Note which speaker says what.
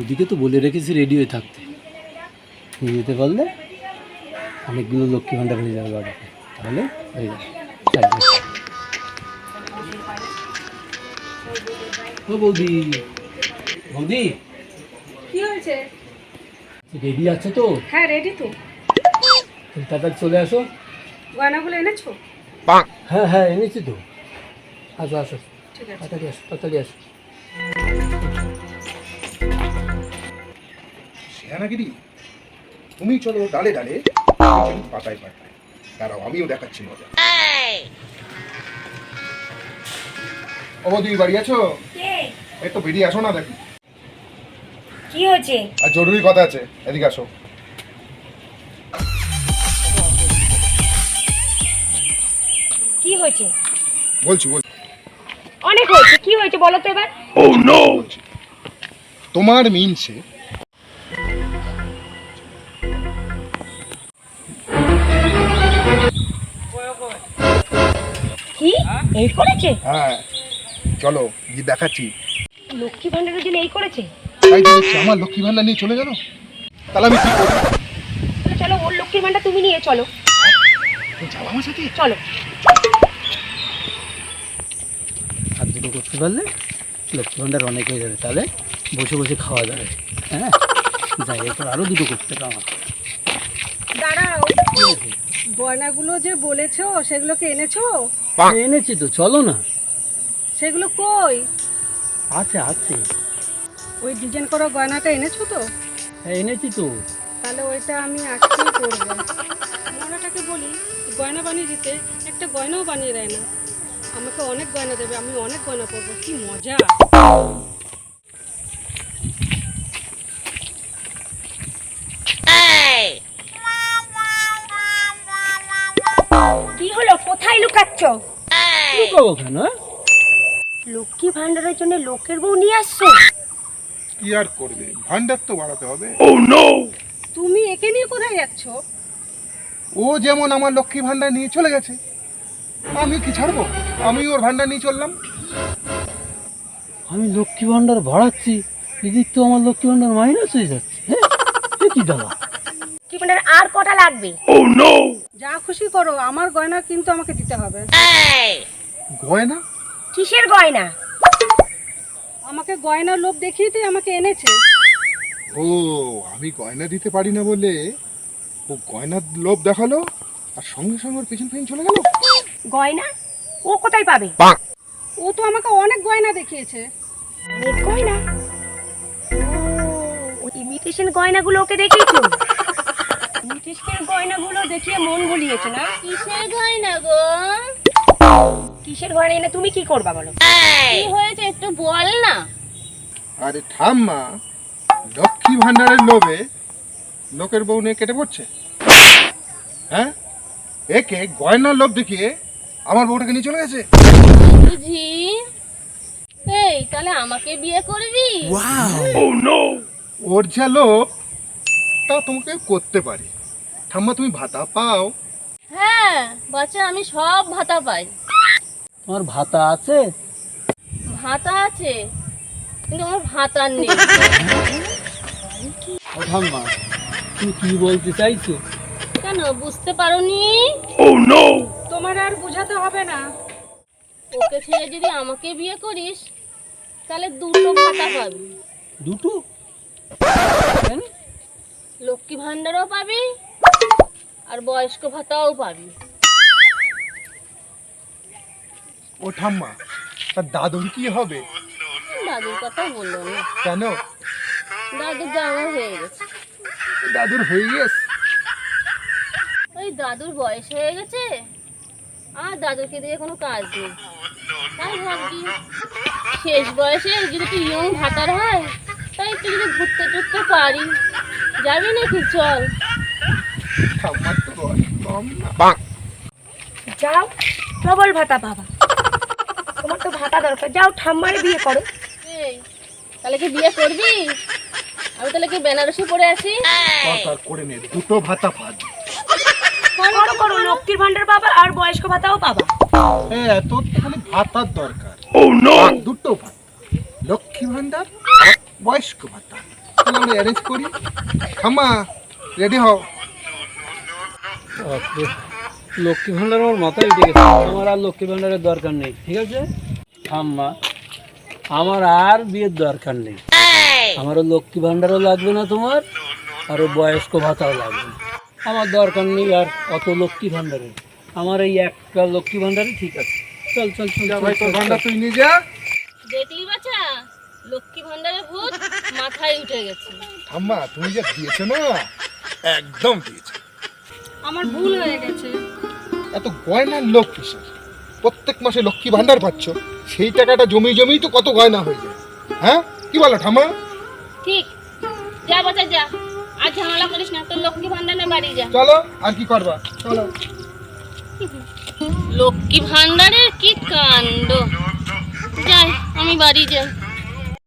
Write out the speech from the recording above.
Speaker 1: বৌদিকে তো বলে রেখেছি রেডি হয়ে থাকতে, নিয়ে যেতে পারলে অনেকগুলো লক্ষ্মী ভাণ্ডার হয়ে যাবে বাড়িতে, তাহলে হয়ে যাবে। ও বৌদি, বৌদি
Speaker 2: কি হয়েছে?
Speaker 1: রেডি আছে তো?
Speaker 2: হ্যাঁ রেডি তো।
Speaker 1: তাড়াতাড়ি চলে আসো।
Speaker 2: গয়নাগুলো এনেছো?
Speaker 1: হ্যাঁ হ্যাঁ এনেছি তো, আসো আসো,
Speaker 2: ঠিক আছে।
Speaker 1: তাড়াতাড়ি আসো, তাড়াতাড়ি আসো।
Speaker 3: সেনাগিরি, তুমি চলো ডালে ডালে, পাতায় পাতায়। দাঁড়াও, আমিও দেখাচ্ছি মজা। ও বৌদি, বাড়ি আছো? এই তো বেরিয়ে আসো না, দেখি
Speaker 4: কি হয়েছে?
Speaker 3: আর জরুরি কথা আছে, এদিকে আসো।
Speaker 4: কি হয়েছে?
Speaker 3: বলছি
Speaker 4: অনেক হয়েছে, কি হয়েছে বলো তো এবার।
Speaker 3: বলছি তোমার মিনছে
Speaker 4: কি এই করেছে?
Speaker 3: হ্যাঁ, চলো গিয়ে দেখাচ্ছি।
Speaker 4: লক্ষ্মী ভান্ডারের জন্য এই করেছে?
Speaker 3: তাই দেখছি আমার লক্ষ্মী ভান্ডার নিয়ে চলে গেল, তাহলে আমি কি করবো?
Speaker 4: তাহলে চলো ওর লক্ষ্মীর ভান্ডার তুমি নিয়ে চলো।
Speaker 3: তুমি যাবো আমার সাথে?
Speaker 4: চলো।
Speaker 1: আর দুটো করতে পারলে লক্ষ্মী ভাণ্ডার অনেক হয়ে যাবে, তাহলে বসে বসে খাওয়া যাবে। হ্যাঁ যাই, এরপর আরও দুটো করতে হবে আমার।
Speaker 2: দাঁড়াও, গয়নাগুলো যে বলেছো সেগুলোকে এনেছো?
Speaker 1: এনেছি তো, চলো না।
Speaker 2: সেগুলো কই?
Speaker 1: আছে আছে,
Speaker 2: ওই ডিজাইন করা গয়নাটা এনেছো তো?
Speaker 1: হ্যাঁ এনেছি তো।
Speaker 2: তাহলে ওইটা আমি আজকেই করবো। মনাটাকে বলি গয়না বানিয়ে দিতে, একটা গয়নাও বানিয়ে দেয় না। আমাকে অনেক গয়না দেবে, আমি অনেক গয়না পরবো, কি মজা।
Speaker 4: কি হলো, কোথায় লুকাচ্ছ?
Speaker 1: লুকাবো কেন?
Speaker 4: লক্ষ্মী ভান্ডারের জন্য লোকের বউ নিয়ে আসছো?
Speaker 3: কি আর করবে, ভান্ডার তো বাড়াতে হবে।
Speaker 2: তুমি একে নিয়ে কোথায় যাচ্ছ?
Speaker 3: ও যেমন আমার লক্ষ্মী ভান্ডার নিয়ে চলে গেছে, আমি কি ছাড়বো? আমি ওর ভান্ডার নিয়ে চললাম।
Speaker 1: আমি লক্ষ্মী ভাণ্ডার বাড়াচ্ছি, এদিক তো আমার লক্ষ্মী ভাণ্ডার মাইনাস হয়ে যাচ্ছে। হ্যাঁ এ কি দাদা?
Speaker 4: লক্ষ্মী ভান্ডার আর কটা লাগবে?
Speaker 2: যা খুশি করো, আমার গয়না কিন্তু আমাকে দিতে হবে।
Speaker 3: গয়না?
Speaker 4: কিসের গয়না?
Speaker 2: আমাকে গয়নার লোভ দেখিয়ে দিয়ে আমাকে এনেছে।
Speaker 3: ও, আমি গয়না দিতে পারি না বলে ও গয়নার লোভ দেখালো, আর সঙ্গে সঙ্গে ওর পেছন পেছন চলে গেল।
Speaker 4: গয়না ও কোথায় পাবে?
Speaker 2: ও তো আমাকে অনেক গয়না দেখিয়েছে।
Speaker 4: অনেক গয়না? ও ইমিটেশন গয়নাগুলো ওকে দেখিয়েছো? ইমিটেশন গয়নাগুলো দেখিয়ে মন ভুলিয়েছে না?
Speaker 5: কিসের গয়না গো?
Speaker 4: কিসের গয়না এনে তুমি কি করবা বলো?
Speaker 5: কি হয়েছে একটু বল না।
Speaker 3: আরে ঠাম্মা, লক্ষ্মী ভান্ডারের লোভে লোকের বউ নিয়ে কেটে পড়ছে। হ্যাঁ, একে গয়নার লোভ দেখিয়ে আমার বউটাকে নিয়ে চলে গেছে।
Speaker 5: বুঝি, এই তাহলে আমাকে বিয়ে করবি?
Speaker 3: ওর যা লোভ তা তোমাকে করতে পারে। ঠাম্মা, তুমি ভাতা পাও?
Speaker 5: হ্যাঁ বাচ্চা, আমি সব ভাতা পাই।
Speaker 1: তোমার ভাতা আছে?
Speaker 5: ভাতা আছে, কিন্তু আমার ভাতা নেই।
Speaker 1: ও ঠাম্মা, তুমি কি বলতে চাইছো?
Speaker 5: কেন বুঝতে পারোনি?
Speaker 2: তোমার আর বোঝাতে হবে না।
Speaker 5: ওকে ছেড়ে যদি আমাকে বিয়ে করিস তাহলে দুটো ভাতা পাবি।
Speaker 1: দুটো? কেন?
Speaker 5: লক্ষ্মী ভান্ডারও পাবি আর বয়স্ক ভাতাও পাবি।
Speaker 3: ও ঠাম্মা, তার দাদুর কি হবে?
Speaker 5: দাদুর কথা বললো না,
Speaker 3: কেন?
Speaker 5: দাদুর জামা হয়ে গেছে।
Speaker 3: দাদুর হয়ে গেছে?
Speaker 5: ওই দাদুর বয়স হয়ে গেছে, আর দাদুকে দিয়ে কোনো কাজ নেই। তাই ভাবছি শেষ বয়সে যদি একটু ইয়ং ভাতার হয়, তাই একটু যদি ঘুরতে টুরতে পারি। যাবি নাকি? চল।
Speaker 3: ঠাম্মার তো বয়স কম না।
Speaker 4: যাও, ডবল ভাতা পাবা। তোমার তো ভাতা দরকার, যাও ঠাম্মারে বিয়ে করো।
Speaker 5: এই তাহলে কি বিয়ে করবি? আমি তাহলে কি বেনারসি পরে আসি?
Speaker 3: দরকার করে নে, দুটো ভাতা পাবি।
Speaker 4: করো করো, লক্ষ্মীর ভান্ডার পাবা আর বয়স্ক ভাতাও পাবা।
Speaker 3: হ্যাঁ, তোর তো খালি ভাতার দরকার। দুটো ভাতা, লক্ষ্মী ভান্ডার আর বয়স্ক ভাতা। আমরা অ্যারেঞ্জ করি। ঠাম্মা রেডি হও।
Speaker 1: বাপরে, লক্ষ্মী ভাণ্ডার আমার মাথায় উঠে গেছে। আমার আর লক্ষ্মী ভাণ্ডারের দরকার নেই, ঠিক আছে আম্মা? আমার আর বিয়ের দরকার নেই। আমারও লক্ষ্মী ভাণ্ডারও লাগবে না তোমার, আরও বয়স্ক ভাতাও লাগবে না। আমার দরকার নেই আর অত লক্ষ্মী ভাণ্ডারের। আমার এই একটা লক্ষ্মী ভাণ্ডারই ঠিক আছে। চল চল চল
Speaker 3: যা
Speaker 1: চল,
Speaker 3: ভাই, তোর
Speaker 1: চল,
Speaker 3: ভান্ডার
Speaker 1: চল।
Speaker 3: তুই নিয়ে যা।
Speaker 5: দেখলি বাছা, লক্ষ্মী ভান্ডারের ভূত মাথায় উঠে গেছে।
Speaker 3: ঠাম্মা তুমি যা দিয়েছো না, একদম দিয়েছো।
Speaker 2: আমার ভুল হয়ে গেছে।
Speaker 3: এত গয়নার লোক কিসের? প্রত্যেক মাসে লক্ষ্মী ভান্ডার পাচ্ছ, সেই টাকাটা জমি জমিই তো কত গয়না হয়ে যায়। হ্যাঁ, কি বলো ঠাম্মা?
Speaker 5: ঠিক, যা বাচ্চা যা, আর ঝামেলা করিস না, তোর লক্ষ্মী ভান্ডার না বাড়ি যা।
Speaker 3: চলো, আর কি করবা, চলো।
Speaker 5: লক্ষ্মী ভান্ডারের কি কাণ্ড! যাই, আমি বাড়ি যাই।